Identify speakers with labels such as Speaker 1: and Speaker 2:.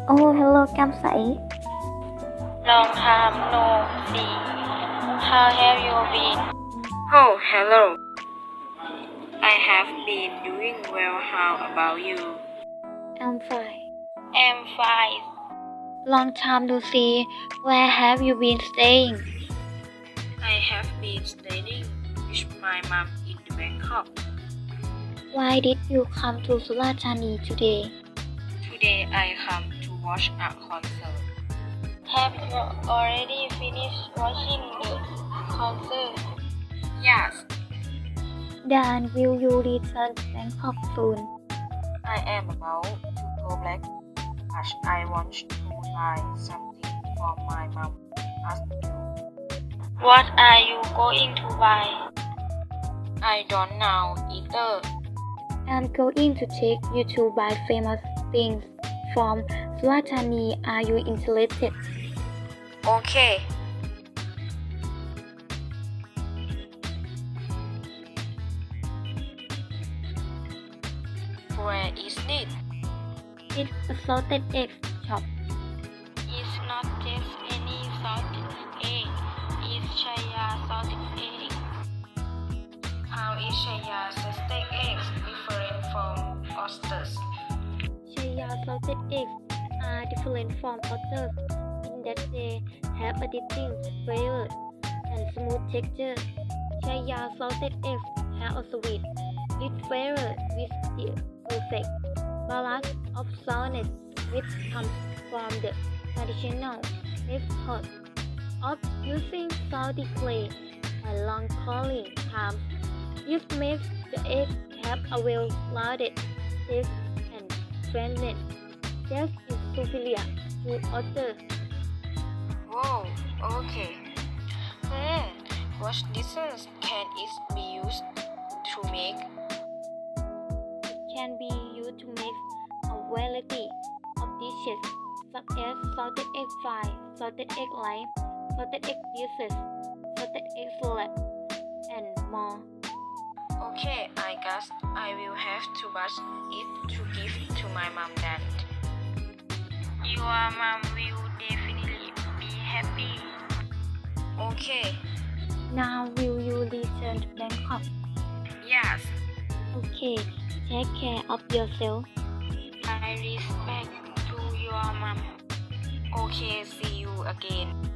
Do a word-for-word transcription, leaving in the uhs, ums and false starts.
Speaker 1: Oh, hello Cam Sai.
Speaker 2: Long time no see. How have you been?
Speaker 3: Oh, hello. I have been doing well. How about you?
Speaker 1: I'm fine.
Speaker 2: I'm fine.
Speaker 1: Long time no see. Where have you been staying?
Speaker 3: I have been staying with my mom in Bangkok.
Speaker 1: Why did you come to Surat Thani today?
Speaker 3: Today I come to watch a concert.
Speaker 2: Have you already finished watching the concert?
Speaker 3: Yes,
Speaker 1: Then will you return to Bangkok soon?
Speaker 3: I am about to go back as I want to buy something for my mom as you.
Speaker 2: What are you going to buy?
Speaker 3: I don't know either.
Speaker 1: I'm going to take you to buy famous things from Surat Thani. Are you interested?
Speaker 3: Okay. Where is it?
Speaker 1: It's a salted egg shop.
Speaker 2: It's not just any salted egg. It's Chaya salted egg.
Speaker 3: How is Shaya salted eggs different from oysters?
Speaker 1: Chaya salted eggs are different from others in that they have a distinct flavor and smooth texture. Chaya salted eggs have a sweet, rich flavor with the perfect balance of sourness which comes from the traditional method of using salty clay and long cooling times. This makes the eggs have a well-rounded taste and freshness that is superior to others.
Speaker 3: Whoa, okay. Hmm, what dishes can it be used to make?
Speaker 1: It can be used to make a variety of dishes such as salted egg fry, salted egg lime, salted egg dishes, salted egg salad, and more.
Speaker 3: Okay, I guess I will have to batch it to give to my mom then.
Speaker 2: Your mom will definitely be happy.
Speaker 3: Okay,
Speaker 1: Now will you return to Bangkok?
Speaker 3: yes,
Speaker 1: Okay, take care of yourself.
Speaker 2: I respect to your mom.
Speaker 3: okay, see you again.